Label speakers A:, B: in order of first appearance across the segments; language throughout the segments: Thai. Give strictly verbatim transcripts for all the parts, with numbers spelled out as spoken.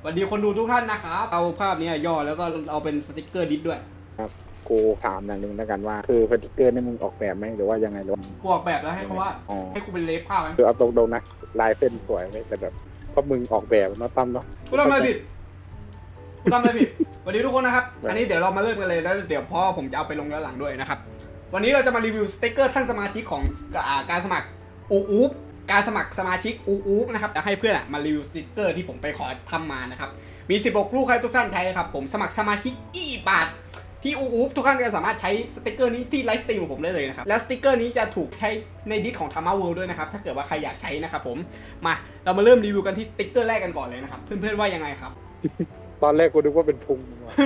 A: วัสดีคนดูทุกท่านนะครับเอาภาพนี้ย่อแล้วก็เอาเป็นสติกเกอร์ดิสด้วย
B: ครับกูถามอย่างหนึ่งแล้วกันว่าคือสติกเกอร์นี่มึงออกแบบไหมหรือว่ายังไงหรอ
A: กูออกแบบแล้วให้เขาว่าให้กูเป็นเลฟภาพไหม
B: คือเอาตรงๆนะลายเส้นสวยไหมแต่แบบก็มึงออกแบบเนาะตั้มเนาะ
A: กูทำอะไรผิดกูทำอะไรผิดสวัสดีทุกคนนะครับอันนี้เดี๋ยวเรามาเริ่มกันเลยแล้วเดี๋ยวพ่อผมจะเอาไปลงย้อนหลังด้วยนะครับวันนี้เราจะมารีวิวสติกเกอร์ท่านสมาชิกของการสมัครอูอูฟการสมัครสมาชิกอูอูฟนะครับจะให้เพื่อนมารีวิวสติกเกอร์ที่ผมไปขอทำมานะครับมีสิบหกลูกให้ทุกท่านใช้ครับผมสมัครสมาชิกอีบาทที่อูอูฟทุกท่านก็สามารถใช้สติกเกอร์นี้ที่ไลฟ์สตรีมของผมได้เลยนะครับและสติกเกอร์นี้จะถูกใช้ในดิสของ Tama World ด้วยนะครับถ้าเกิดว่าใครอยากใช้นะครับผมมาเรามาเริ่มรีวิวกันที่สติกเกอร์แรกกันก่อนเลยนะครับเพื่อนๆว่ายังไงครับ
B: ตอนแรกกูนึกว่าเป็นพุง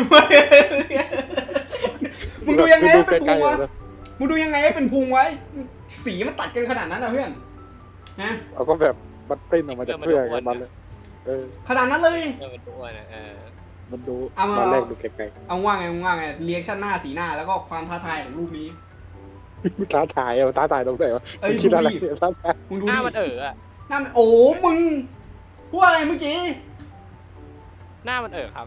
A: มึงดูยังไงให้เป็นพุงวะมึงดูยังไงให้เป็นพุงไว้สีมันตัดกันขนาดนั้นนะเพื่อนนะ
B: เอาก็แบบมันปริ้นออกมาจากเสื้อไงมันเลยเออ
A: ขนาดนั้นเลย
C: เออมันดูนะเออ
B: มันดูตอนแรกดูไกล
A: ๆเอาว่าไงว่าไงเรีแอคชั่นหน้าสีหน้าแล้วก็ความท้าทายของรูปนี้
B: ท้าทายเอาท้าทายตรงไหนวะคิดอะไรท้าทาย
A: มึงดู
C: หน้ามันเอออะ
A: หน้ามันโอ้มึงพูดอะไรเมื่อกี้
C: หน้ามันเออครับ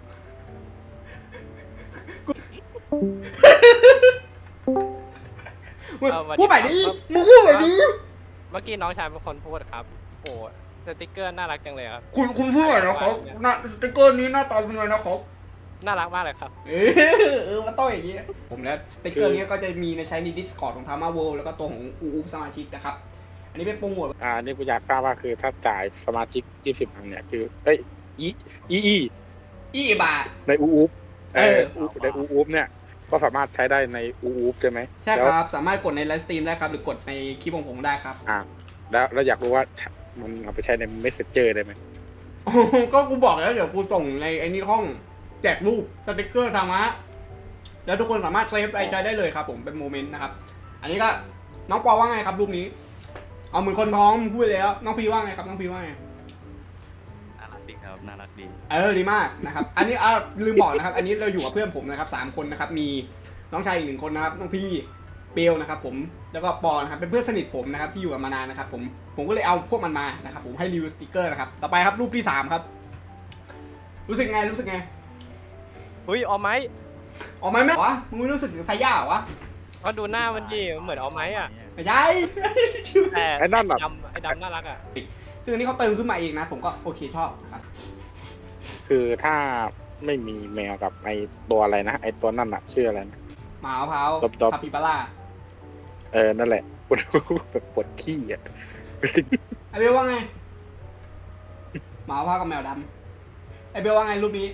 A: พูดใหม่ดิมึงพูดใหม่ดิ
C: เมื่อกี้น้องชายเป็นคนพูดครับโอ้สติกเกอร์น่ารักจังเลยครับ
A: คุณคุณพูดหน่อยนะครับหน้าสติกเกอร์นี้หน้าตาเป็นไงนะครับ
C: น่ารักมากเลยครับ
A: เออเออมาต้อยอย่างงี้ผมแล้วสติกเกอร์นี้ก็จะมีในใช้ใน Discord ของ Tama World แล้วก็ตัวของอูอูสมาชิกนะครับอันนี้เป็นโปรโมท
B: อ่านี่กูอยากทราบว่าคือถ้าจ่ายสมาชิกยี่สิบพันเนี่ยคือเอ้ยอีอีอี
A: อีบาท
B: ในอูอูเออในอูอูเนี่ยก็สามารถใช้ได้ในอูอูใช่ไหม
A: ใช่ครับสามารถกดในไลฟ์สตรีมได้ครับหรือกดในคลิปของผมได้ครับ
B: อ่าแล้วเราอยากรู้ว่ามันเอาไปใช้ใน Messenger ได้ไหม
A: ก็กูบอกแล้วเดี๋ยวกูส่งในไอ้นี่ห้องแจกรูปสติกเกอร์ทำฮะแล้วทุกคนสามารถเซฟไปใช้ได้เลยครับผมเป็นโมเมนต์นะครับอันนี้ก็น้องปอว่าไงครับรูปนี้เอาเหมือนคนท้องพูดแล้วน้องพีว่าไงครับน้องพีว่าไง
D: น่ารักดีครับน่ารักดี
A: เออดีมากนะครับอันนี้อ่าลืมบอกนะครับอันนี้เราอยู่กับเพื่อนผมนะครับสามคนนะครับมีน้องชายอีกหนึ่งคนนะครับน้องพี่เปลนะครับผมแล้วก็ปอนะครับเป็นเพื่อนสนิทผมนะครับที่อยู่กันมานานนะครับผมผมก็เลยเอาพวกมันมานะครับผมให้รีวิวสติกเกอร์นะครับต่อไปครับรูปที่สามครับรู้สึกไงรู้สึกไง
C: เฮ้ยเอาไหม
A: เอาไหมไหมวะมึงไม่รู้สึกถึงไซย่าวะ
C: ก็ดูหน้ามันดีเหมือนเอาไหมอ่ะ
A: ไม่ใช่
C: แต่ไอ้นั่นแบบไอ้ดำน่ารักอ่ะ
A: ซึ่งอันนี้เขาเติมขึ้นมาเองนะผมก็โอเคชอบครับ
B: คือถ้าไม่มีแมวกับไอตัวอะไรนะไอตัวนั่นอะชื่ออะไรนะ
A: หมามะพร้าวคาปิบาร่า
B: เออนั่นแหละปวดแบบปวดขี้อ่ะ
A: ไอเบลว่าไงหมามะพร้าวกับแมวดำไอเบลว่าไงรูปนี้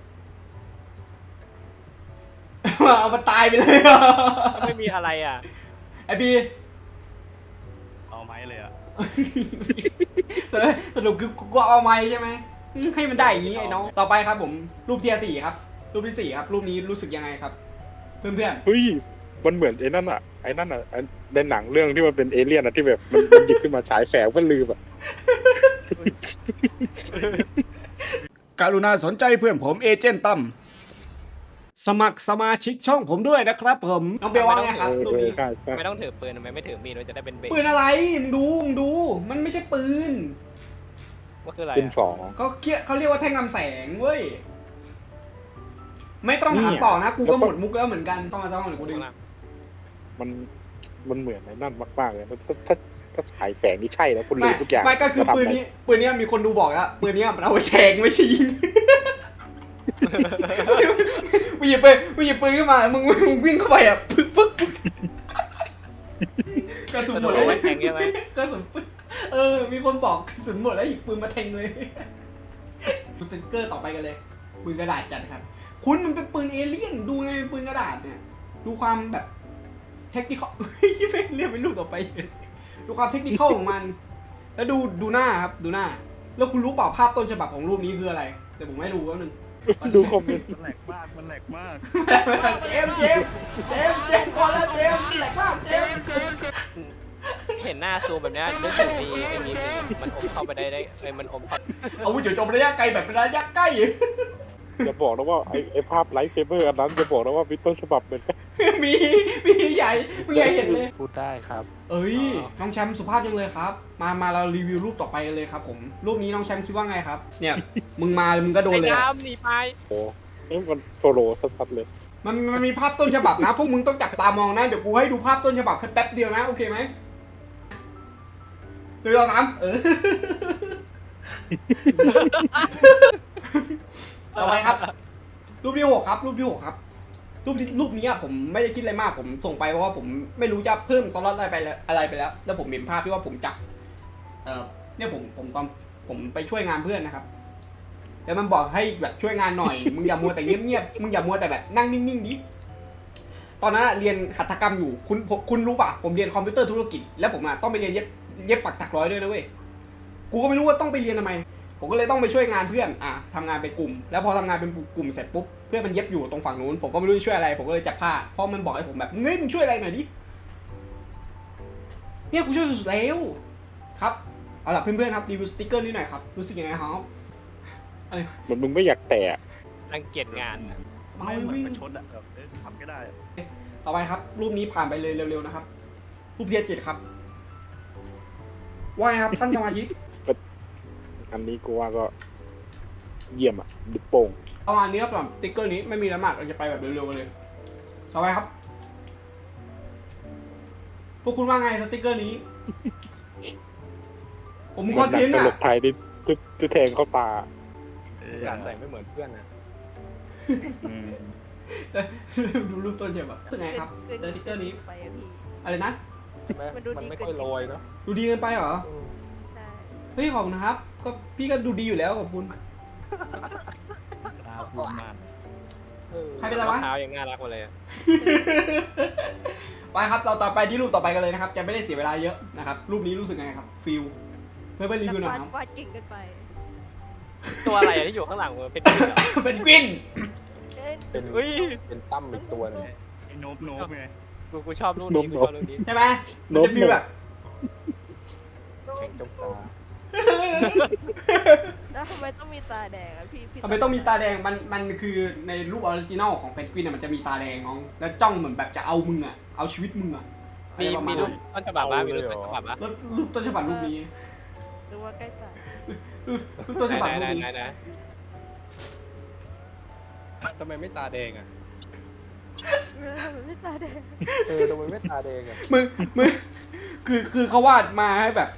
A: เอามาตายไปเลย
C: ไม่มีอะไรอ่ะ
A: ไอพี
D: เอาไม้เลยอ่ะ
A: สรุปคือกูเอาไม้ใช่ไหมให้มันได้อย่างนี้ไอ้น้องต่อไปครับผมรูปเทียร์สี่ครับรูปที่สี่ครับรูปนี้รู้สึกยังไงครับเพื่อนเพื่อน
B: เฮ้ยมันเหมือนไอ้นั่นอ่ะไอ้นั่นอ่ะในหนังเรื่องที่มันเป็นเอเลี่ยนอ่ะที่แบบมันหยิบขึ้นมาฉายแฝงมันลืมอ่ะ
A: กรุณาสนใจเพื่อนผมเอเจนต์ตั้มสมัครสมาชิกช่องผมด้วยนะครับผมน้องเบลว่าไงครับรูปนี้
C: ไม่ต้องถือปืนทำไมไม่ถือมีดมันจะได้เป็นเบส
A: ปืนอะไรมึงดูมึงดูมันไม่ใช่ปืน
C: ว่าคืออะไร
B: ปืนสอง
A: เขาเคียเขาเรียกว่าแท่งนำแสงเว้ยไม่ต้องถามต่อนะกูก็หมดมุกแล้วเหมือนกันต้องมาจ้องหรือกูดึง
B: มันมันเหมือนในนั่นมากๆเลยมันถ้าถ้าฉายแสงนี่ใช่แล้วคุณลืมทุกอย่าง
A: ไม่ก็คือปืนนี้ปืนนี้มีคนดูบอกแล้วปืนนี้มันเอาไปแทงไม่ใช่ยิงมึงหยิบไปมึงหยิบปืนขึ้นมามึงมึงวิ่งเข้าไปอ่ะปึ๊กปึ๊กปึ๊กกระสุนหมดแล้ว
C: แทงใช่ไหม
A: กระสุนปึ๊กเออมีคนบอกกระสุนหมดแล้วหยิบปืนมาแทงเลยดูสติ๊กเกอร์ต่อไปกันเลยปืนกระดาษจัดครับคุณมันเป็นปืนเอเลี่ยนดูไงปืนกระดาษเนี่ยดูความแบบเทคนิคยี่เฟ้เรียกเป็นรูปต่อไปดูความเทคนิคของมันแล้วดูดูหน้าครับดูหน้าแล้วคุณรู้เปล่าภาพต้นฉบับของรูปนี้คืออะไรแต่ผมไม่รู้ว่านึง
B: ดูคอมเมนต์
D: มันแหลกมากมันแหลกมาก
A: เจมเจมเจมเจมพอแล้วเจมแหลกมากเจม
C: เห็นหน้าซูมแบบนี้นึกถึงมีไอ้มีมันอมเข้าไปได้ได้ไอ้มันอมเข้า
A: เอาวุ้ยจบระยะไกลแบบระยะใกล้
B: อย่าบอกนะว่าไอ้ไอ้ภาพไลท์เซเบอร์อันนั้นอย่าบอกนะว่ามีต้นฉบับเป็น
A: มีมีใหญ่มึงใหญ่เห็นเลย
E: พูดได้ครับ
A: เอ้ยน้องแชมป์สุภาพจังเลยครับ มามาเรารีวิวรูปต่อไปกันเลยครับผมรูปนี้น้องแชมป์คิดว่าไงครับ เนี่ยมึงมามึงก็โดน
C: ไอ้
A: เลยอะ
C: น้ำหนีไป
B: โอ้นี่มันโซโลสัสๆเลย
A: มันมันมีภาพต้นฉบับนะพวกมึงต้องจับตามองนะเดี๋ยวกูให้ดูภาพต้นฉบับแค่แป๊บเดียวนะโอเคไหมหนึ่งสองสามเออ ต่อไปครับ รูปที่หกครับ รูปที่หกครับ รูปที่รูปนี้อะผมไม่ได้คิดอะไรมากผมส่งไปเพราะว่าผมไม่รู้จะเพิ่มสล็อตอะไรไปแล้วอะไรไปแล้ว แล้วผมเห็นภาพที่ว่าผมจับเออเนี่ยผมผมตอนผมไปช่วยงานเพื่อนนะครับ แล้วมันบอกให้แบบช่วยงานหน่อย มึงอย่ามัวแต่เงียบๆมึงอย่ามัวแต่แบบนั่งนิ่งๆดิตอนนั้นอะเรียนหัตถกรรมอยู่คุณผมคุณรู้ป่ะผมเรียนคอมพิวเตอร์ธุรกิจแล้วผมอะต้องไปเรียนเย็บเย็บปักถักร้อยด้วยนะเว้ยกูก็ไม่รู้ว่าต้องไปเรียนทำไม ผมก็เลยต้องไปช่วยงานเพื่อนอ่ะทำงานเป็นกลุ่ม แล้วพอทำงานเป็นกลุ่มเสร็จปุ๊บเพื่อนมันเย็บอยู่ตรงฝั่งนู้นผมก็ไม่รู้จะช่วยอะไรผมก็เลยจับผ้าเพราะมันบอกให้ผมแบบเฮ้ยมึงช่วยอะไรหน่อยดิเนี่ยกูช่วยสุดๆแล้วครับเอาล่ะเพื่อนๆครับรีวิวสติ๊กเกอร์นี้หน่อยครับรู้สึกยังไงครับ
B: เหมือนมึงไม่อยากแตะ
C: รังเกียจงาน
D: ไม่เหมือนประชดอะแบบเออทำก็ได้
A: ต่อไปครับ รูปนี้ผ่านไปเลยเร็วๆนะครับ รูปเทียเจ็ดครับว่าไงครับท่านสมาชิก
B: อันนี้กูว่าก็เยี่ยมอ่ะดิโป่ง
A: ประมาณนี้ครับสำหรับสติ๊กเกอร์นี้ไม่มีละหมาดเราจะไปแบบเร็วๆกันเลยต่อไปครับพวกคุณว่าไงสติ๊กเกอร์นี้ ผมคอนเทนต์
B: ต
A: อ่ะ
B: ลกไทยที่ที่ที่แทงเข้าตา
D: เออ
E: การใส่ไม่เหมือนเพื่อนนะ
D: อืม
A: ดูรูปต้นเฉยแบบรู้สึกไงครับสติ๊กเกอร์นี้
F: ไปอะพี่
A: อะไรนะ
E: ใช่ไหม
F: มันดู
E: มัน
F: ดี
E: ไม่
F: เกิน
E: ค่อยโรยเนาะ
A: ดูดีเกินไปเหรอ
F: ใช่
A: เฮ้ยขอบคุณนะครับ ก็พี่ก็ดูดีอยู่แล้วขอบคุณ
D: กล้าพูดมาก
E: เออ
A: ใครเป็นไร
C: รอ
A: วะ
C: งเท้ายังน่ารักกว่าเลยอะ
A: ไปครับเราต่อไปที่รูปต่อไปกันเลยนะครับ จะไม่ได้เสียเวลาเยอะนะครับ รูปนี้รู้สึกไงครับฟิลเพื่อนๆรีวิวหน่อย
F: วาด
A: ครับ
F: วาดเก่งเกินไป
C: ตัวอะไรอะที่อยู่ข้างหลังมึงเป็นกวินเหรอ
A: เป็นกวิน
F: เอ้ย
E: เป็น
C: อุ้ย
E: เป็นตั้มอีกตัวหนึง
D: ไอ้โนบโนบไง
C: กูกูชอบรูปนี้กูชอบรูปนี้
A: ใช่ไหมมันจะฟีลแบบ
E: แข่งจ้องตา
F: แล้วทำไมต้องมีตาแดงอะพี่พี่
A: ทำไมต้องมีตาแดงมันมันคือในรูปออริจินอลของเพนกวินน่ะมันจะมีตาแดงน้องแล้วจ้องเหมือนแบบจะเอามึงอ่ะเอาชีวิตมึงอ่ะ
C: มี
A: อะไรประา
C: มี
A: ณ
C: รู
A: นั้
C: ป
A: น
C: ต้นฉบับบ้างมีรูปต้นฉบับบ้าง
A: แล้วรูปต้นฉบับรูปนี้
F: หรือว่าใกล้ตาย
A: รูปต้นฉบับรูป
C: ไหน
A: นี้
C: ไหนไหน
E: ทำไมไม่ตาแดงอ่ะ
F: เออทำไมไม่ตาแดง
E: เออทำไมไม่ตาแดงอ่ะ
A: มึงมึงคือคือเขาวาดมาให้แบบ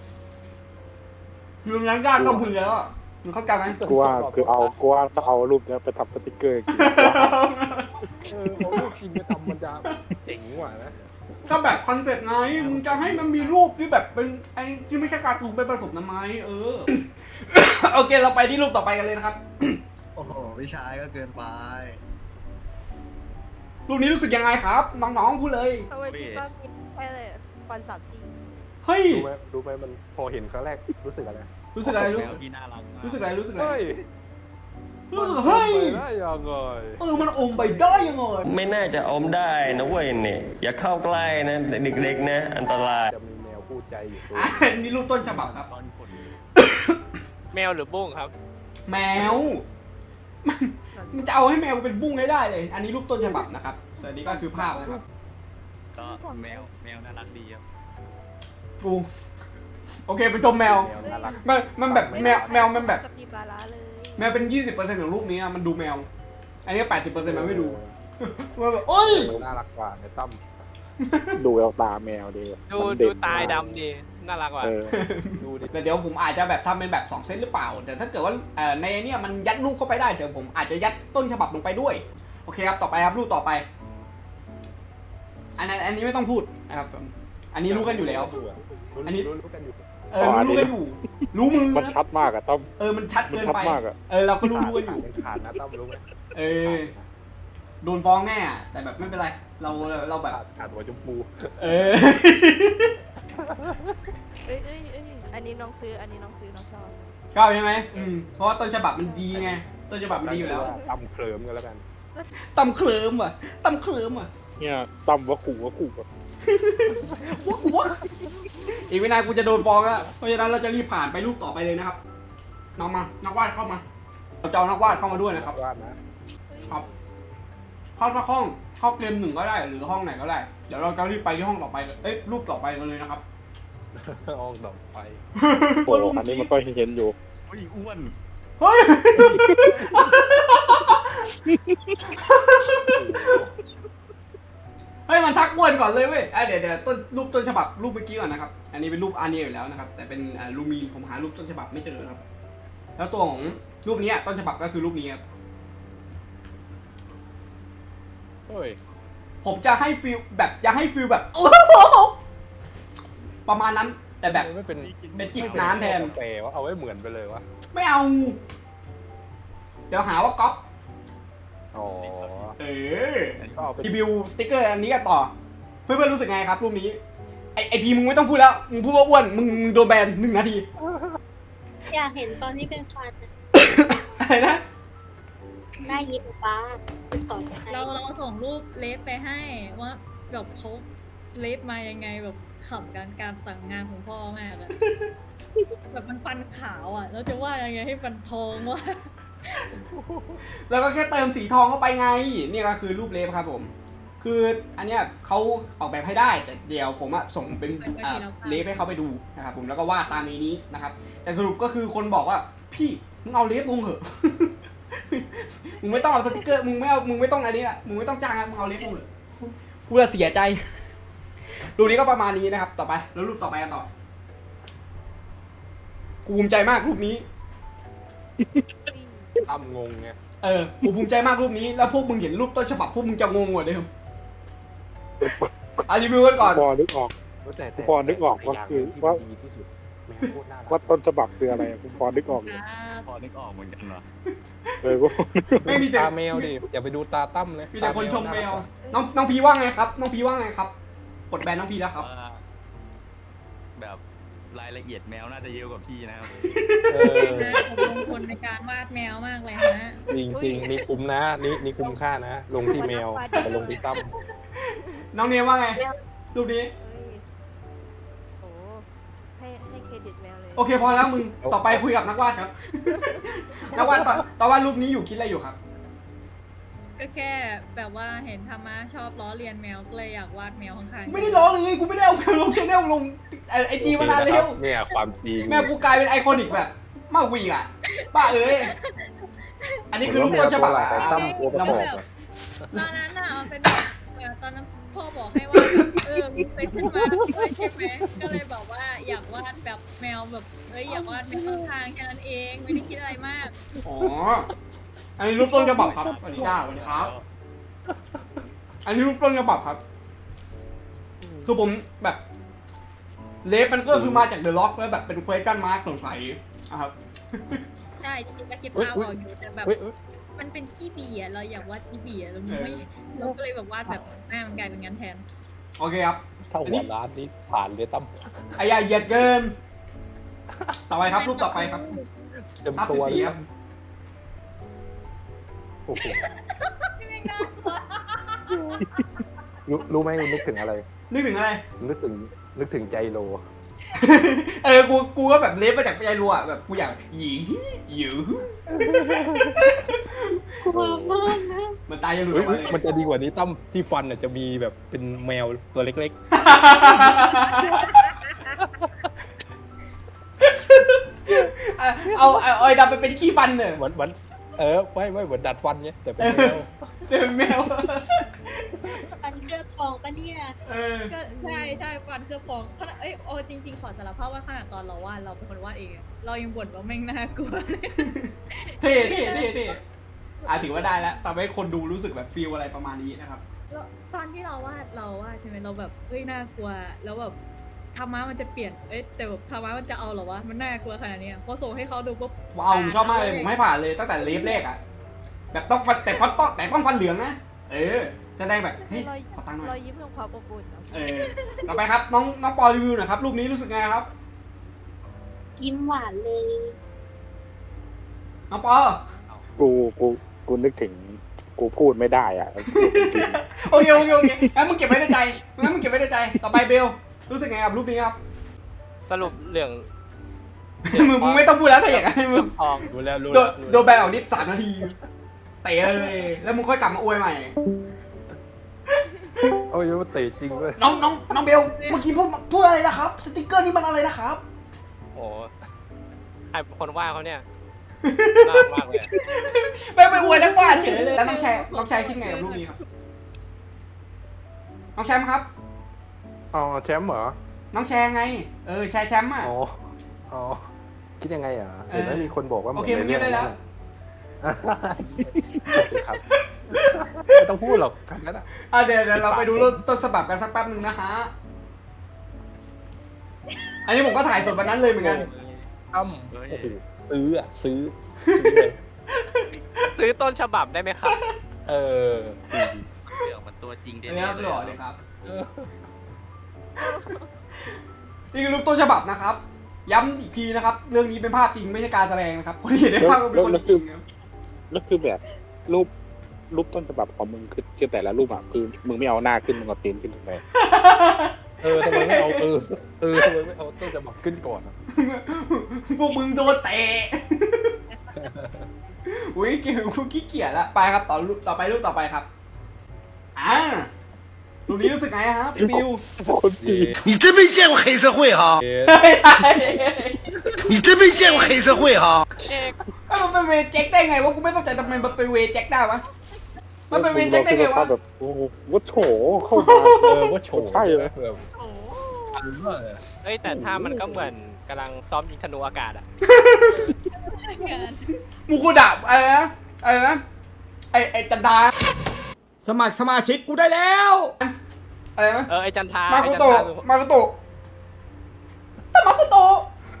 A: คือนั้นยากก็มึงแล้วอะมึงเข้าใจไหม
B: กูว่าคือเอากูว่าต้องเอารูปเนี้ยไปทำสติกเกอร์กิน
E: เออเอาลูกชิ้นไปทำมันจะเจ๋งกว่านะ
A: ก็แบบคอนเซ็ปต์ไงมึงจะให้มันมีรูปที่แบบเป็นไอ้ที่ไม่ใช่การ์ตูนเป็นผสมน้ำไม้เออ โอเคเราไปที่รูปต่อไปกันเลยนะครับ
D: โอ้โหวิชายก็เกินไป
A: รูปนี้รู้สึกยังไงครับ น้องๆพูดเลย
F: ทำไมพี่ต้องมีแค่ฟันสามซี่
A: เฮ้ย
E: รู้ไหมรู้ไหมมันพอเห็นครั้งแรกรู้สึกอะไร
A: รู้สึกอะไรรู้
D: แม
A: สึ
D: ว
A: ก
D: ที่น่ารักมาก
A: รู้สึกอะไรรู้สึกอะไร
E: เฮ้ย
A: รู้สึกเฮ้ย
E: มันไปได้ยังไง
A: เออมันอมไปได้ยังไง
G: ไม่น่าจะอมได้นะเว้ยเนี่ยอย่าเข้าใกล้นะเด็กๆนะอันตราย
E: จะมีแมวพูดใจอยู่ตัว
A: อ่ะนี่รูปต้นฉบับครับ
D: ตอนขน
C: แมวหรือบุ้งครับ
A: แมวมันมันจะเอาให้แมวเป็นบุ้งให้ได้เลย อันนี้รูปต้นฉบับนะครับส่วนนี้ก็คือภาพนะครับ
D: ก็แมวแมวน่ารักดีครับ
A: กูโอเคไปชมแมว
E: แมวน่ารัก
A: มันมันแบบแมวแมวมันแบบ
F: กับมีบาร่าเลย
A: แมวเป็นยี่สิบเปอร์เซ็นต์ของรูปนี้อะมันดูแมว อันนี้แปดสิบเปอร์เซ็นต์มันไม่ดูมันแบบโอ้ย
E: แมวน่ารักกว่าในตั้ม
B: ดูเอาตาแมวดี
C: ดู
B: มัน
C: ดู
B: เน
C: ตาย
B: มก
C: ดำดีน่ารักว่ะ
B: เออ
E: ดูดิ
A: แต่เดี๋ยวผมอาจจะแบบทำเป็นแบบสองเซตหรือเปล่า แต่ถ้าเกิดว่าเอ่อในเนี้ยมันยัดรูปเข้าไปได้เดี๋ยวผมอาจจะยัดต้นฉบับลงไปด้วย โอเคครับต่อไปครับรูปต่อไป อันนั้นอันนี้ไม่ต้องพูดนะครับอันนี้รู้กันอยู่แล้ว อันนี้
E: รู้รู้กันอยู่
A: เออรู้รู้กันอยู่ รู้มือ
B: มัน
A: นะ
B: ชัดมากอะต้อม
A: เออมันชัด
B: มัน
A: เกิน
B: ชัด
A: ไป
B: มากอะ
A: เออเราก็รู้รู้กันอยู่
E: มันขาดนะตั้มรู้ไหม
A: เออโดนฟ้องแน่อะแต่แบบไม่เป็นไร เราเราแบบ
E: ขาดขาดหัวจมูก
A: เออ
F: เอ้ยเอ้ยเอ้ยอันนี้น้องซื้อ อันนี้น้องซื้อน้องชอบ
A: ชอบใช่ไหมอืมเพราะว่าต้นฉบับมันดีไง ต้นฉบับมันดีอยู่แล้ว
E: ตั้มเคลิ้มกันแล้วกัน
A: ตำเคลิมอ่ะตำเคลิมอ่ะ
B: เนี่ยต้มว่าขู่ว่าขู่แบบ
A: ว้ากูวะอีกไม่นานกูจะโดนฟ้องแล้วเพราะฉะนั้นเราจะรีบผ่านไปรูปต่อไปเลยนะครับน้องมานักวาดเข้ามาเราจะเอานักวาดเข้ามาด้วยนะครับ
E: วาดนะ
A: ครับเข้ามาห้องเข้าเกมหนึ่งก็ได้หรือห้องไหนก็ได้เดี๋ยวเราจะรีบไปที่ห้องต่อไปเอ้ยรูปต่อไปกันเลยนะครับ
E: ออกดอกไฟ
B: โอ้โหอันนี้มันก็เห็นอยู่
D: อุ้ยอ้วน
A: เฮ้ย เฮ้ยมันทักอ้วนก่อนเลยเว้ยอ่ะเดี๋ยวเดี๋ยวต้นรูปต้นฉบับรูปเมื่อกี้ก่อนนะครับ อันนี้เป็นรูปอาร์เนียอยู่แล้วนะครับ แต่เป็นอ่าลูมีนผมหารูปต้นฉบับไม่เจอครับ แล้วตัวของรูปนี้ต้นฉบับก็คือรูปนี้ครับ
E: เฮ้ย
A: ผมจะให้ฟิลแบบจะให้ฟิลแบบ โอ้โหประมาณนั้นแต่แบบ
E: ไม่เป็น
A: เป็นจิบน้ำแทน
E: แต่ว่าเอาไว้เหมือนไปเลยวะ
A: ไม่เอา เดี๋ยวหาว่าก๊อป
E: อ๋อ
A: เออ
E: ก็เอาไป
A: รีวิวสติ๊กเกอร์อันนี้กันต่อ เพื่อนๆรู้สึกไงครับรูปนี้ไอไอพีมึงไม่ต้องพูดแล้วมึงพูดว่าอ้วนมึงโดนแบนหนึ่งนาที
H: อยากเห็นตอนที่เป็นฟันอะ
A: อะไรนะ
H: หน้ายิ้มฟ้าต่อให้
I: เราเราส่งรูปเลฟไปให้ว่าแบบเขาเลฟมายังไงแบบขำการการสั่งงานของพ่อมากอะแบบมันฟันขาวอะแล้วจะว่ายังไงให้ฟันทองวะ
A: แล้วก็แค่เติมสีทองเข้าไปไงนี่ก็คือรูปเลฟครับผม คืออันเนี้ยเขาออกแบบให้ได้แต่เดี๋ยวผมอะส่งเป็นอ่าเลฟให้เขาไปดูนะครับผมแล้วก็วาดตามนี้นะครับ แต่สรุปก็คือคนบอกว่าพี่มึงเอาเลฟลงเถอะ มึงไม่ต้องเอาสติกเกอร์มึงไม่เอามึงไม่ต้องอะไรนี่ละมึงไม่ต้องจ้างอะมึงเอาเลฟลงเถอะกูจะเสียใจ รูปนี้ก็ประมาณนี้นะครับ ต่อไปแล้วรูปต่อไปกันต่อกูภูมิใจมากรูปนี้
E: ตั้มงงไง
A: เออกูภูมิใจมากรูปนี้แล้วพวกมึงเห็นรูปต้นฉบับพวกมึงจะงงกว่าเดิมเอารีวิวกันก่อน
B: พอนึกออก
E: แต่แต่
B: พอนึกออกว่าคือว่า
E: ดีที่สุดแมวโคตรน่ารัก
B: ว่าต้นฉบับคืออะไรอะผมพอนึกออกอยู่
D: พอนึกออกเหมือนกันเหรอ
B: เออก็
A: ไม่มีแต่
E: ตาแมวดิอย่าไปดูตาตั้มเลย
A: มีแต่คนชมแมว
E: ตา
A: น้องน้องพีว่าไงครับ น้องพีว่าไงครับกดแบนน้องพีแล้วครับ
D: ว่าแบบรายละเอียดแมวน่าจะเยอะกว่าพี่นะครับ
E: เออ
I: นะผมลงทุนในการวาดแมวมากเลยฮะ
E: จริงจริงๆนี่คุ้มนะนี่นี่คุ้มค่านะ ลงที่แมวแต่ลงที่ตั้ม
A: น้องเนมว่าไงรูปนี้
F: เอ้ยโอ้ให้ให้เครดิตแมวเลย
A: โอเคพอแล้วมึงต่อไปคุยกับนักวาดครับ นักวาดต่อต่อวาดรูปนี้อยู่คิดอะไรอยู่ครับ
I: ก็แค่แบบว่าเห็นธรรมะชอบล้อเลียนแมวก็เลยอยากวาดแมวข้างๆ
A: ไม่ได้ล้อเลยกูไม่ได้เอาแมวลงชแนลลงไอจีมานานแล้ว
E: เนี่ยความจริง
A: แมวกูกลายเป็นไอคอนิกแบบมากวีกอ่ะป้าเอ้ยอันนี้คือรูปต้นฉบับ
E: แต่ตั้มตัวประกอบอะ
I: ตอนนั้นน่ะมันเป็นแบบเออตอนนั้นพ่อบอกให้ว่าแบบเออมึงไปขึ้นมาด้วยใช่ไหมก็เลยบอกว่าอยากวาดแบบแมวแบบเอ้ยอยากวาดแมวข้างๆแค่นั้นเองไม่ได้คิดอะไรมาก
A: อ๋ออันนี้รูปต้นฉบับครับสวัสดีจ้าสวัสดีครับ อันนี้รูปต้นฉบับครับ คือผมแบบเลฟมันก็คือมาจากเดอะล็อกแล้วแบบเป็นเควสกันมาร์กสงสัยนะครับ
I: ใช่จริงๆก็คิดภาพออกอยู่แต่แบบ
E: เฮ้ยเฮ้ย
I: มันเป็นจี้บีอ่ะเราอยากวาดจี้บีอ่ะเราไม่เราก็เลยแบบวาดแบบหน้ามันกลายเป็นงานแทน
A: โอเคครับ
E: ถ้าหัวร้านนี้ผ่านเลยตั้ม
A: ไอ้ยาเหยียดเกิน ต่อไปครับรูปต่อไปครับ
E: เต็ม
A: ภาพ
E: ตัว
A: ที่
E: เล
A: สี่
E: ย
A: ครับ
E: โอ้โห
I: ไม่แม่งน่ากลัว
E: รู้รู้ไหมนึกถึงอะไร
A: นึกถึงอะไร
E: นึกถึงนึกถึงใจโล
A: เออ กู กูก็แบบเลฟมาจากใจรัวอะแบบกูอยากหยีหยิว
H: กลัวมากนะ
A: มันตายยังหลุดอ
E: เฮ้
A: อย กมาเลย
E: มันจะดีกว่านี้ตั้มที่ฟันน่ะจะมีแบบเป็นแมวตัวเล็ก
A: เอาเอาเอาไอ้ดำไปเป็นขี้ฟันเน
E: ๆ
A: อะ
E: เหมือนเหมือนเออไม่ไม่เหมือนดัดฟันไงแต่เป็นแมว
A: เป็นแมว
H: ฟันเคลือบทองปะเนี่ย
A: เออ
I: ก็ใช่ใช่ฟันเครือบฟองขนาดเอ้ยโอ้จริงๆขอสารภาพว่าขนาดตอนเราวาดเราเป็นคนวาดเองอะเรายังบ่นว่าแม่งน่ากลัวเลย
A: เท่เท่เท่เท่อ่ะถือว่าได้แล้วทำให้คนดูรู้สึกแบบฟีลอะไรประมาณนี้นะครับ
I: แล้วตอนที่เราวาดเราวาดใช่ไหมเราแบบเฮ้ยน่ากลัวแล้วแบบธรรมะมันจะเปลี่ยนเอ้ยแต่แบบธรรมะมันจะเอาเหรอวะมันน่ากลัวขนาดเนี้ยพอส่งให้เขาดูปุ๊บ
A: ว้าวผมชอบมากเลยผมให้ผ่านเลยตั้งแต่เลฟแรกอ่ะ แบบต้องฟันแต่ฟันต้องแต่ต้องฟันเหลืองนะ เออแสดงแบบเฮ้ย
F: รอย
A: ขอตังค์หน่
F: ร
A: อ
F: อย ยยิ้มของความอบอุ่นอะ
A: เออ ต่อไปครับน้องน้องปอรีวิวหน่อยครับรูปนี้รู้สึกไงครับ
H: ยิ้มหวานเลย
A: น้องปอ
B: กูกูกูนึกถึงกูพูดไม่ได้อ่ะ
A: โอเคโอเคโอเคงั้นมึงเก็บไว้ในใจงั้นมึงเก็บไว้ในใจ ต่อไปเบลรู้สึกไงกับรูปนี้ครับ
C: สรุปเรื่อง
A: มึงมึงไม่ต้องพูดแล้วถ้าอย่างนั้นมึง
C: ทอง
E: รู้แล้วรู้
A: โด
E: แล้ว
A: นโดนแบนออกนิดสามนาทีเตะเลย แล้วมึงค่อยกลับมาอวยใหม่
E: เอาอยู่ว่าเตะจริงเลย
A: น้องน้องน้องเบลเมื่อกี้พูดพูดอะไรนะครับ สติกเกอร์นี่มันอะไรนะครับ
C: โอ้ใครเป็นคนว่าเขาเนี่ยน่ารักมากเลย
A: ไม่ไปอวยนักวาดเฉยเลยแล้วน้องแชร์น้องแชร์คิดไงกับรูปนี้ครับน้องแชมป์ครับ
E: อ๋อแชมป์เหรอ
A: น้องแชร์ไงเออแชร์แชมป์อ่ะ
E: อ๋ออ๋อคิดยังไงอ่ะ
A: เออ
E: เห็นไหมมีคนบอกว่า
A: โอเคมึงเงียบได้แล้ว
E: ครับไม่ต้องพูดหรอกคำนั้นอ่ะ
A: อ่ะเดี๋ยวเดี๋ยวเราไปดูรูปต้นฉบับกันสักแป๊บหนึ่งนะฮะอันนี้ผมก็ถ่ายสดวันนั้นเลยเหมือนกัน
E: อ้ำ
D: เฮ้ย
E: โอ้โหซื้ออ่ะซื้อซื้อเลย
C: ซื้อต้นฉบับได้ไหมครับ
E: เออ
D: เปลือกมันตัวจริงเด่
A: อัน
D: น
A: นี้ครับ
D: เล
A: หล่อเลย
D: ย
A: ครับ
E: เออ
A: นี่คือรูปต้นฉบับนะครับ ย้ำอีกทีนะครับ เรื่องนี้เป็นภาพจริงไม่ใช่การแสดงนะครับคนที่เห็นในภาพก็เป็นคนจริงครับ
B: แล้วคือแบบรูปรูปต้นฉบับของมึงคือคือแต่ละรูปอ่ะคือมึงไม่เอาหน้าขึ้นมึงเอาตีนขึ้นถูกไหม
E: เออทำไมไม่เอาเออเออทำไมไม่เอาต้นจะบอกขึ้นก่อนอ่ะ
A: พวกมึงโดนเตะ อุ้ยเกี่ยวกูขี้เกียจละไปครับต่อรูปต่อไปรูปต่อไปครับอ่ารูปนี้รู้สึกไงครับฟิว
B: คนจีน
J: 你真没见过黑社会哈！
A: เฮ้ย
J: 你真没见过黑社会哈！
C: เอก
A: เอ้ยมันเป็นเวย์แจ็คได้ไงวะกูไม่เข้าใจทำไมมันเป็นเวย์แจ็คได้วะมันเป็นเวย์แจ็คได้ไงวะ
B: แบบโอ้โหวัดโฉเข้ามา
E: เออว่าโฉ
B: ใช่เลย
E: แบบอันว่า
C: เอ้ยแต่ถ้ามันก็เหมือนกำลังซ้อมยิงธนูอากาศอะ
A: มูคุดะอะไรนะอะไรนะไอไอจันดาสมัครสมาชิกกูได้แล้วอะไรนะ
C: เออไอจันทรา
A: มา
C: ไอ
A: คุ
C: จัน
A: โตะ
C: ทรา
A: มาคุโตะแต่มาคุโตะ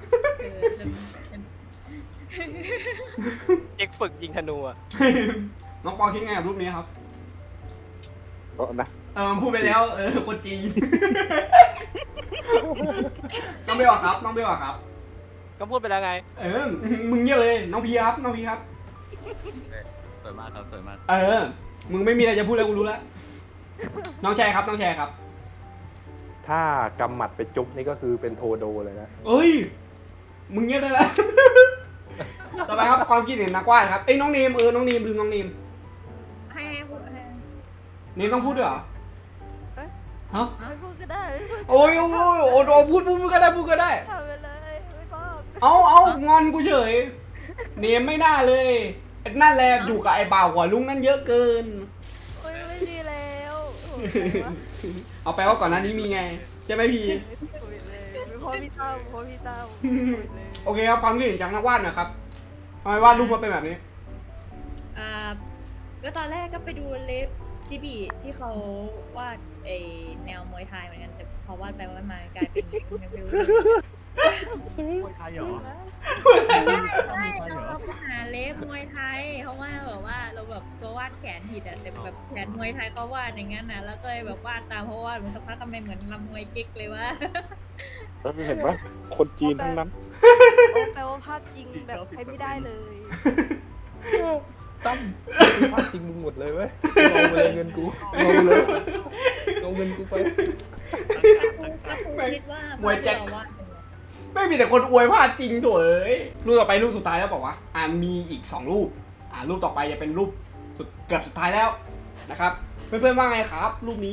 C: เอกฝึกยิงธนูอะ
A: น้องปอคิดไงกับรูปนี้ครับ
B: ก็นะ
A: เออพูดไปแล้วเออคนจีน น้องเบลอะครับ น้องเบลอะครับ
C: ก็พูดไปแล้วไง
A: เออมึงเงียบเลยน้องพีครับน้องพีครับ
D: สวยมากครับสวยมาก
A: เออมึงไม่มีอะไรจะพูดแล้วกูรู้แล้วน้องแชร์ครับน้องแชร์ครับ
E: ถ้ากำหมัดไปจุ๊บนี่ก็คือเป็นโทโดเลยนะ
A: เอ้ยมึงเงียบได้แล้ว ต่อไปครับความคิดเห็นนักวาดครับเอ้ยน้องเนมเออน้องเนมลืมน้องเนม
I: ให้ให้พูดให้
A: เนมต้องพูดด้วยเหรอฮะ
F: ไม่พูดก็ได้ไม่พูด
A: โอ้ยโอ้ยโอ้ยโอ้ยพูดพูดพูดก็ได้พูดก็ได้
F: ทำไปเลยไม่ต้อง
A: เอาเอางอนกูเฉยเนมไม่น่าเลยไอ้นั่นแหละอยู่กับไอ้บ่าวหัวลุงนั่นเยอะเกิน
F: โอ้ยไม่ดีแล้วโอ้ย
A: เอาแปลว่าก่อนหน้านี้มีไงใช่ไหมพี่
F: ไม่คุยเลยไม่พอพี่ตั้มพอพี่ตั้มคุยเลย
A: โอเคครับความคิดเห็นจากนักวาดหนะครับทำไมวาดรูปมาเป็นแบบนี้
I: อ่าก็ตอนแรกก็ไปดูเล็บจิบีที่เขาวาดไอแนวมวยไทยเหมือนกันแต่พอวาดไปวาดมากลายเป็นไม่รู้
D: มวยไทยเหรอ
I: ใช่เราเราไปหาเล็บมวยไทยเพราะว่าแบบว่าเราแบบตัววาดแขนผิดอะแต่แบบแขนมวยไทยก็วาดอย่างนั้นนะแล้วก็เลยแบบวาดตามเพราะว่ามันสักพักทำไมเหมือนลำมวยกิ๊กเลยวะ
B: แล้วเห็นปะคนจีนทั้งนั้น
F: โอ้แปลว่าภาพจริงแบบใช้ไม่ได้เลย
E: ตั้มภาพจริงมึงหมดเลยเว้ยเอาไปเลยเงินกูเอาไปเลยเอาเงินกูไป
I: แล้วคุณคิดว่าม
A: วยแจ็ค
I: เราวาดเป็นไง
A: ไม่มีแต่คนอวยพลาดจริงโถเอ้ยรูปต่อไปรูปสุดท้ายแล้วบอกว่าอ่ามีอีกสองรูปอ่ารูปต่อไปจะเป็นรูปสุดเกือบสุดท้ายแล้วนะครับเพื่อนๆว่าไงครับ รูปนี้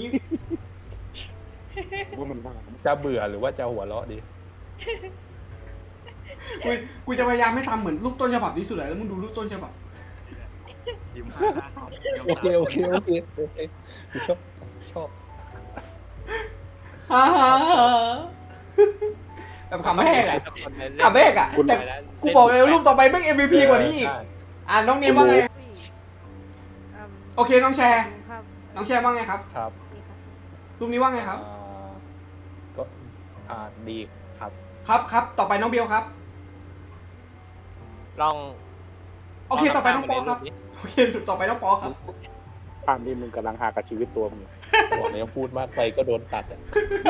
B: ว่ามันบ้า
E: จะเบื่อหรือว่าจะหัวเราะดี
A: กูกูจะพยายามไม่ทำเหมือนรูปต้นฉบับที่สุดเลยแล้วมึงดูรูปต้นฉบับ
D: ยิ้มห้า
E: โอเคโอเคโอเคโอเคกูชอบชอบ
A: ฮ่าฮ่าฮ่าแบบขำไม่แห้งอะขำไม่แห้งอะแต่กูบอกเลยว่ารูปต่อไปแม่ง เอ็ม วี พี กว่านี้อีก
E: ใช่
A: อ่าน้องเนมว่าไง
F: อืม
A: โอเคน้องแชร์
F: ภาพ
A: น้องแชร์ว่าไงครับ
E: ครับ
F: นี่ครับ
A: รูปนี้ว่าไงครับ
E: อ่าก็อ่าดีครับ
A: ครับครับต่อไปน้องเบลครับ
C: ลอง
A: โอเคต่อไปน้องปอครับ
C: ล
A: โอเคต่อไปน้องปอครับ
B: ภาพนี้มึงกำลังหากับชีวิตตัวมึง
E: บอกเลยว่าพูดมากไปก็โดนตัดอ่ะ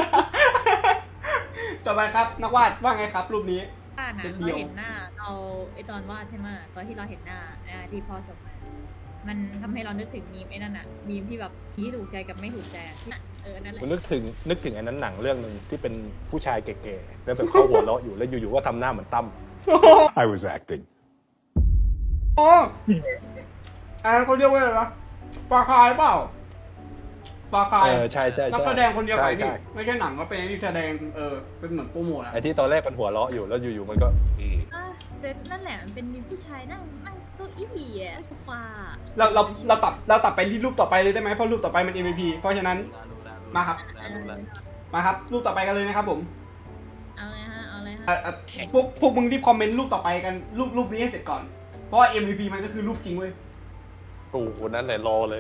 A: ต่อไปครับนักวาดว่าไงครับรูปนี้
I: วาดนะ
A: เป็นเดี่ยว
I: เราเห็นหน้าเราไอตอนวาดใช่ไหมตอนที่เราเห็นหน้าหน้าที่พ่อส่งมา มันทำให้เรานึกถึงมีมไอ้นั่นอะมีมที่แบบที่ถูกใจกับไม่ถูกใจอะน่ะเออนั่นแหละ
E: ผมนึกถึงนึกถึงไอ้นั้นหนังเรื่องหนึ่งที่เป็นผู้ชายแก่ๆแล้วแบบเขาหัวเราะอยู่แล้วอยู่ๆก็ทำหน้าเหมือนตั้ม
J: I was acting.
A: อ๋ออันนั้นเขาเรียกว่าอะไรวะฟาคายเปล่าฟาคาย
E: เออใช่ใช่
A: นัก
E: ใช่
A: แสดงคนเดียวกัน
E: ใช่
A: นี่
E: ใช่
A: ไม่ใช่หนังก็เป็นที่แสดงเออเป็นเหมือนโปรโมทอะ
E: ไอ้ที่ตอนแรกมันหัวเราะอยู่แล้วอยู่ๆมันก็อืม
I: อ่ะเซตนั่นแหละมันเป็นมีผู้ชายนั่งนั่งเก้าอี้อ่ะโซฟา
A: เราเราเราตัดเราตัดไปที่รูปต่อไปเลยได้ไหมเพราะรูปต่อไปมัน เอ็ม วี พี เพราะฉะนั้น มาครับ
D: รู้แล้ว
A: มาครับรูปต่อไปกันเลยนะครับผม
I: เอาเลยฮะเอาเลยฮะ
A: เอ่อเอ่อพวกพวกมึงรีบคอมเมนต์รูปต่อไปกันรูปรูปนี้ให้เสร็จก่อนเพราะว่า เอ็ม วี พี มันก็คือรูปจริงเว้ย
E: โอ้โหนั่นแหละรอเลย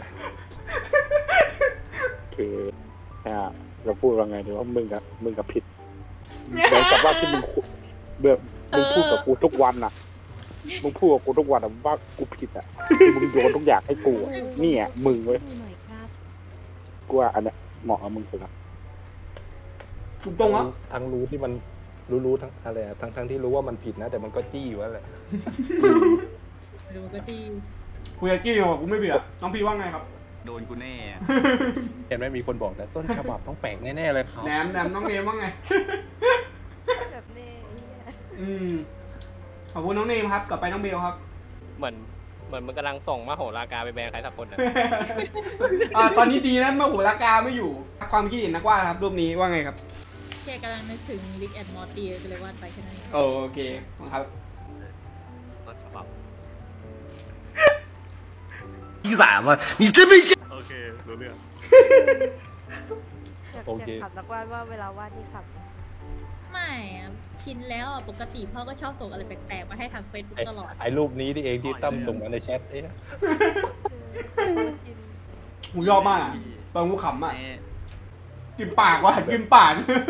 B: คืออ่าเราพูดว่าไงดีว่ามึงกับมึงกับผิดเหมือนกับว่าที่มึงคุเบื่อมึงพูดกับกูทุกวันน่ะมึงพูดกับกูทุกวันอะว่ากูผิดอ่ะที่มึงโยนทุกอย่างให้กูอะนี่อ่ะมึงเว้ย
F: ดูหน่อยครับ
B: กูว่าอันเนี้ยเหมาะกับมึงสุดละ
A: ถูกตรงอ่ะ
E: ทั้งรู้ที่มันรู้รู้ทั้งอะไรอะทั้งทั้งที่รู้ว่ามันผิดนะ แต่มันก็จี้อยู่นั่นแหละ
I: ดูก็ดี
A: กูอยากกี้อยู่อะกูไม่เบื่อน้องพี่ว่าไงครับ
D: โดนกูแน่อะ
E: เห็นไหมมีคนบอกแต่ต้นฉบับต้องแปลกแน่ๆเลยครับ
A: แหนมแหนมน้องเนมว่าไง
F: แบบนี้ไอ้เหี้ย
A: อืมขอบคุณน้องเนมครับกลับไปน้องเบลครับ
C: เหมือนเหมือนมันกำลังส่งมาโหราการไปแบนใครสักคนนะ
A: อ่าตอนนี้ดีนะเมื่อหัวลากาไม่อยู่ความคิดเห็นนักวาดครับรูปนี้ว่าไงครับ
I: แค่กำลังนึกถึงลิกแอนมอร์ตี้ก็เลยวาดไปแค่นั้นเอง
A: โอโอเคครับ
D: ต้นฉบับ
J: 你崽子，你真没见。
D: โอเครู้เรื่อง
F: อยาก
E: โอเค
F: อยากถามนักวาดว่าเวลาวาดนี่ครับ
I: ไม่อะชินแล้วอะปกติพ่อก็ชอบส่งอะไรแปลกๆมาให้ทางเฟซบุ๊ก
E: ไอ้
I: ตลอด
E: ไอ้รูปนี้ที่เองที่ตั้มส่งมาในแชทเอ๊ะ
A: กูยอมมากอะตอนกูขำอ่ะ
D: แน่
A: กินปากว่ะกินปาก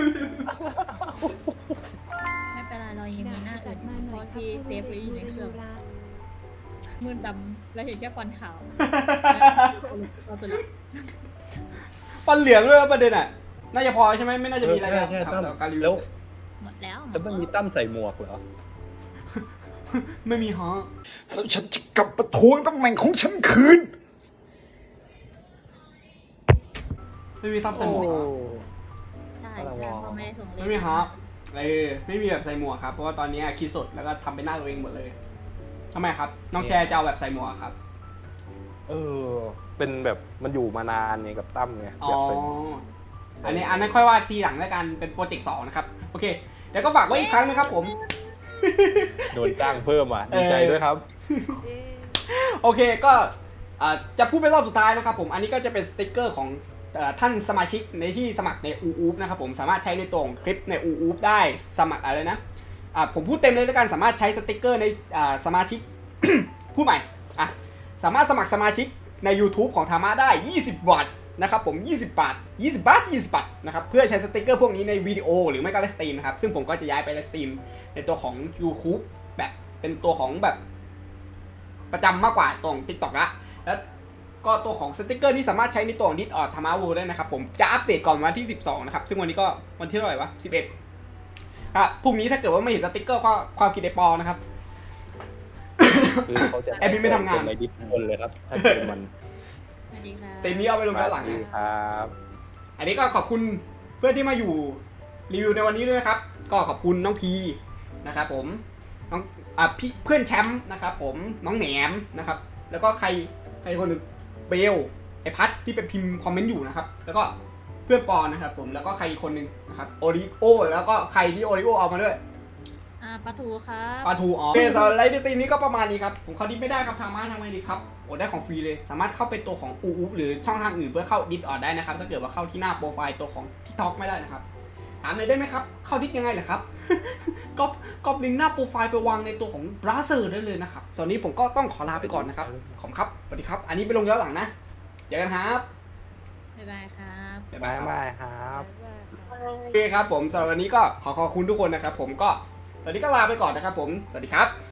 I: ไม่เป็นไรเรายังมีหน้าอื่นเพราะที่เซฟไว้อยู่ในเครื่องมืดดำแล้วเห็นแค่ฟอนต์ขาวเราจะรู้
A: ฟันเหลืองด้วยประเด็นอ่ะน่าจะพอใช่ไหมไม่น่าจะมีอะไร
E: ใช่
A: แล้ว
E: ใช่
A: ครับ
E: ตั้ม
A: สำหรับการรีวิ
E: แล้ว ว
I: หมดแล้ว
E: แล้วมันมีตั้มใส่หมวกเหรอ
A: ไม่มีฮะ
J: แล้วฉันจะกลับมาทวงตำแหน่งของฉันคืน
A: ไม่มีทับใส่หมวกเหรอ
I: ใช่ใช่พ่อไม่ได้ส่งเล
A: ไม่มีฮะเออไม่มีแบบใส่หมวกครับเพราะว่าตอนนี้คิดสดแล้วก็ทำเป็นหน้าตัวเองหมดเลยทำไมครับน้องแชร์จะเอาแบบใส่หมวกครับ
E: เออ เป็นแบบมันอยู่มานานไงกับตั้มไง
A: อ๋อ
E: อยากใส่
A: อันนี้อันนั้นค่อยว่าทีหลังแล้วกันเป็นโปรเจกต์สองนะครับโอเคเดี๋ยวก็ฝากไว้อีกครั้งนะครับผม
E: โดนจ้างเพิ่มอ่ะ ดีใจด้วยครับ
F: เอ๊ะ
A: โอเคก็เอ่อจะพูดเป็นรอบสุดท้ายนะครับผมอันนี้ก็จะเป็นสติกเกอร์ของเอ่อท่านสมาชิกในที่สมัครในอูอูฟนะครับผมสามารถใช้ในตัวของคลิปในอูอูฟได้สมัครอะไรนะอ่ะผมพูดเต็มเลยแล้วกันสามารถใช้สติกเกอร์ในอ่าสมาชิก พูดใหม่อ่ะสามารถสมัครสมาชิกใน YouTube ของธรรมะได้ยี่สิบบาทนะครับผมยี่สิบบาทยี่สิบบาทยี่สิบบาทนะครับเพื่อใช้สติกเกอร์พวกนี้ในวิดีโอหรือไม่ก็ไลฟ์สตรีมนะครับซึ่งผมก็จะย้ายไปไลฟ์สตรีมในตัวของ YouTube แบบเป็นตัวของแบบประจำมากกว่าตรง TikTok ละแล้วก็ตัวของสติกเกอร์นี่สามารถใช้ในตัวของ Discord ธรรมะเวิลด์ได้นะครับผมจะอัปเดตก่อนวันที่สิบสองนะครับซึ่งวันนี้ก็วันที่เท่าไหร่วะสิบเอ็ดอ่ะพรุ่งนี้ถ้าเกิดว่าไม่เห็นสติกเกอร์ก็ความคิดไอปอนะครับ
E: คือเขาจะ
A: แอดมินไม่ทำงาน
E: ในดิสคนเลยครับ ถ้าเกิดมัน
I: สวัสดีค่ะ
A: เต็มนี้เอาไปลงด้านหลัง
E: ดี
A: นะ
E: ครับ
A: อันนี้ก็ขอบคุณเพื่อนที่มาอยู่รีวิวในวันนี้ด้วยนะครับ ก็ขอบคุณน้องพีนะครับผมน้องอ่ะพี่เพื่อนแชมป์นะครับผมน้องแหนมนะครับ แล้วก็ใครใครคนหนึ่งเบลไอพัทที่ไปพิมพ์คอมเมนต์อยู่นะครับ แล้วก็เพื่อนปอนนะครับผมแล้วก็ใครอีกคนหนึ่งนะครับโอริโอแล้วก็ใครที่โอริโอเอามาด้วย
I: อ่าปลาทูครับ
A: ปาทูอ๋อโอเคสำหรับไลฟ์สตรีมนี้ก็ประมาณนี้ครับผมเข้าดิสไม่ได้ครับทางมาทางไงดีครับโอ้ได้ของฟรีเลยสามารถเข้าไปตัวของอูอูหรือช่องทางอื่นเพื่อเข้าดิสออดได้นะครับถ้าเกิดว่าเข้าที่หน้าโปรไฟล์ตัวของทิกทอกไม่ได้นะครับถามหน่อยได้ไหมครับเข้าดิสยังไงเหรอครับ ก็ก็ลิงก์หน้าโปรไฟล์ไปวางในตัวของบราเซอร์ได้เลยนะครับตอนนี้ผมก็ต้องขอลาไปก่อนนะครับขอบคุณครับสวัสดีครับ อันนี้ไปลงย้อนหลังนะเจอกันครับ
I: บ๊ายบายครับ
A: บ๊าย
E: บา
A: บาย
E: ย
A: ครับ
E: บายครับ
F: บ๊ายบายครับ
A: โอเคครับผมสำหรับวันนี้ก็ขอขอบคุณทุกคนนะครับผมก็ตอนนี้ก็ลาไปก่อนนะครับผมสวัสดีครับ